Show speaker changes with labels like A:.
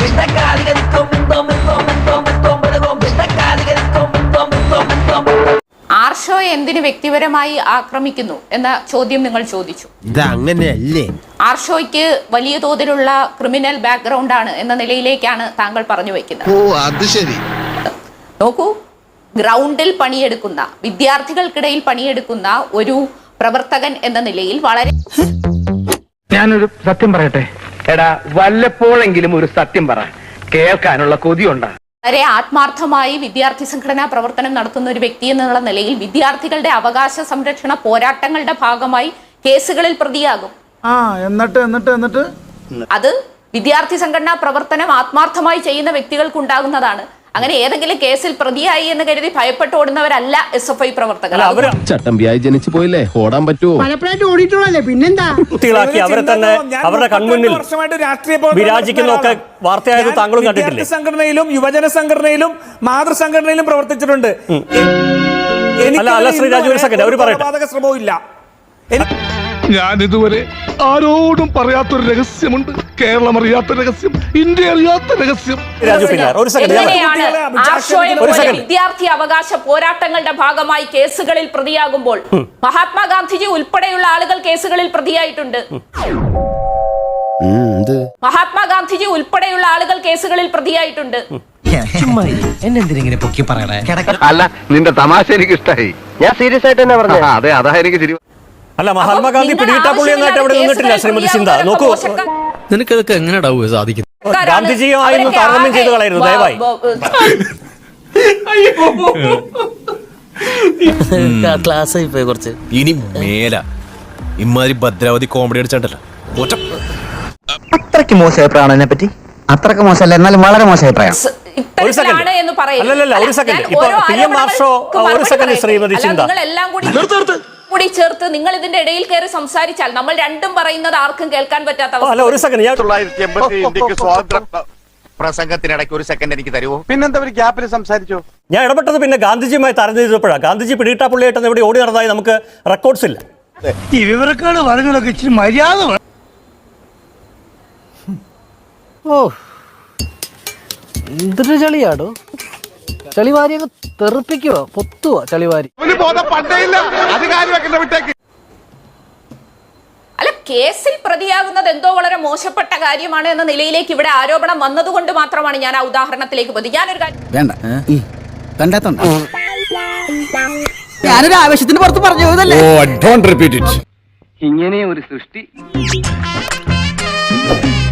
A: ആർഷോയെ എന്തിനു വ്യക്തിപരമായി ആക്രമിക്കുന്നു എന്ന ചോദ്യം നിങ്ങൾ ചോദിച്ചു.
B: അങ്ങനെയല്ലേ?
A: ആർഷോയ്ക്ക് വലിയ തോതിലുള്ള ക്രിമിനൽ ബാക്ക്ഗ്രൗണ്ട് ആണ് എന്ന നിലയിലേക്കാണ് താങ്കൾ പറഞ്ഞു വയ്ക്കുന്നത്.
C: ഓ അത് ശരി.
A: നോക്കൂ, ഗ്രൗണ്ടിൽ പണിയെടുക്കുന്ന, വിദ്യാർത്ഥികൾക്കിടയിൽ പണിയെടുക്കുന്ന ഒരു പ്രവർത്തകൻ എന്ന നിലയിൽ വളരെ
D: ഞാനൊരു സത്യം പറയട്ടെ. എടാ, വല്ലപ്പോഴെങ്കിലും ഒരു സത്യം പറ, കേൾക്കാനുള്ള കൊതിയുണ്ടാ.
A: വളരെ ആത്മാർത്ഥമായി വിദ്യാർത്ഥി സംഘടനാ പ്രവർത്തനം നടത്തുന്ന ഒരു വ്യക്തി എന്നുള്ള നിലയിൽ വിദ്യാർത്ഥികളുടെ അവകാശ സംരക്ഷണ പോരാട്ടങ്ങളുടെ ഭാഗമായി കേസുകളിൽ പ്രതിയാകും.
E: എന്നിട്ട്
A: അത് വിദ്യാർത്ഥി സംഘടനാ പ്രവർത്തനം ആത്മാർത്ഥമായി ചെയ്യുന്ന വ്യക്തികൾക്കുണ്ടാകുന്നതാണ്. അങ്ങനെ ഏതെങ്കിലും കേസിൽ പ്രതിയായി എന്ന് കരുതി ഭയപ്പെട്ട് ഓടുന്നവരല്ല SFI പ്രവർത്തകർ.
B: ചട്ടമ്പിയായി ജനിച്ചു പോയില്ലേ, ഓടാൻ പറ്റുമോ?
F: പലപ്പോഴായിട്ട് ഓടിയിട്ടുള്ളല്ലേ, പിന്നെന്താ?
G: അവരെ തന്നെ അവരുടെ കൺമുന്നിൽ വിരാജിക്കുന്നൊക്കെ വാർത്തയായത് താങ്കളും കണ്ടിട്ടില്ലേ?
E: സംഘടനയിലും യുവജന സംഘടനയിലും മാതൃസംഘടനയിലും പ്രവർത്തിച്ചിട്ടുണ്ട്.
G: അല്ല ശ്രീ രാജു, ഒരു സെക്കൻഡ് അവർ പറയട്ടെ.
E: ശ്രമവും ഇല്ല.
C: ഞാൻ ഇതുവരെ ആരോടും പറയാത്തൊരു രഹസ്യമുണ്ട്. കേരളം അറിയാത്ത രഹസ്യം, ഇന്ത്യ അറിയാത്ത രഹസ്യം.
A: വിദ്യാർത്ഥി അവകാശ പോരാട്ടങ്ങളുടെ ഭാഗമായി കേസുകളിൽ പ്രതിയാകുമ്പോൾ മഹാത്മാഗാന്ധിജി ഉൾപ്പെടെയുള്ള ആളുകൾ കേസുകളിൽ പ്രതിയായിട്ടുണ്ട്. മഹാത്മാഗാന്ധിജി ഉൾപ്പെടെയുള്ള ആളുകൾ കേസുകളിൽ പ്രതിയായിട്ടുണ്ട്.
F: എന്നെന്തിനെ പൊക്കി പറയണേ?
C: അല്ല, നിന്റെ തമാശ എനിക്ക് ഇഷ്ടായി.
F: ഞാൻ സീരിയസ് ആയിട്ട് തന്നെ പറഞ്ഞു.
C: അതെ, അതാ എനിക്ക് ശരി.
G: അല്ല, മഹാത്മാഗാന്ധി പിടികിട്ടാപ്പുള്ളി എന്നായിട്ട് അവിടെ നിന്നിട്ടില്ല ശ്രീമതി ചിന്ത. നോക്കൂ,
H: നിനക്കതൊക്കെ എങ്ങനെയാ സാധിക്കും?
G: ഗാന്ധിജിയുമായിരുന്നു താരതമ്യം ചെയ്ത് കളയരുത് ദയവായി.
H: ക്ലാസ്സായി പോയി കുറച്ച്. ഇനി മേല ഇമാതിരി ഭദ്രാവതി കോമഡി അടിച്ചാണ്ടല്ലോ.
F: അത്രയ്ക്ക് മോശം അഭിപ്രായമാണ് എന്നെ പറ്റി. അത്രയ്ക്ക് മോശമല്ല, എന്നാലും വളരെ മോശം അഭിപ്രായം.
G: അല്ലല്ല, ഒരു സെക്കൻഡ്. ഇപ്പൊ PM ആർഷോ, ഒരു സെക്കൻഡ് ശ്രീമതി ചിന്ത,
A: കൂടി ചേർത്ത് നിങ്ങൾ ഇതിന്റെ ഇടയിൽ കയറി സംസാരിച്ചാൽ നമ്മൾ രണ്ടും പറയുന്നത് ആർക്കും കേൾക്കാൻ പറ്റാത്ത
G: അല്ല, ഒരു സെക്കൻഡ്.
C: 1980 ഇന്ത്യക്ക് സ്വാതന്ത്ര്യ പ്രസംഗത്തിനിടയ്ക്ക് ഒരു സെക്കൻഡ് എനിക്ക് തരുമോ?
E: പിന്നെന്താ ഒരു ഗ്യാപ്പിൽ സംസാരിച്ചോ?
G: ഞാൻ ഇടപെട്ടത് പിന്നെ ഗാന്ധിജിയുമായി താരതമ്യം ചെയ്തപ്പോഴാണ്. ഗാന്ധിജി പിടികിട്ടാപ്പുള്ളിയായിട്ട് ഇവിടെ ഓടി നടന്നതായി നമുക്ക് റെക്കോർഡ്സ് ഇല്ല.
F: ഈ വിവരക്കാട് പറഞ്ഞതൊക്കെ ഇച്ചിരി മര്യാദ. ഓ, എന്തൊരു ചളിയാടോ! ചളിവാരി അങ്ങ് തെറിപ്പിക്കുവോ, പൊത്തുവോ ചളിവാരി?
A: അല്ല, കേസിൽ പ്രതിയാകുന്നത് എന്തോ വളരെ മോശപ്പെട്ട കാര്യമാണ് എന്ന നിലയിലേക്ക് ഇവിടെ ആരോപണം വന്നതുകൊണ്ട് മാത്രമാണ് ഞാൻ ആ ഉദാഹരണത്തിലേക്ക് പോയത്. ഞാനൊരു
F: ഞാനൊരു ആവേശത്തിന് പുറത്ത് പറഞ്ഞു പോയതല്ലേ.
C: Oh, don't repeat it.
D: ഇങ്ങനെ ഒരു സൃഷ്ടി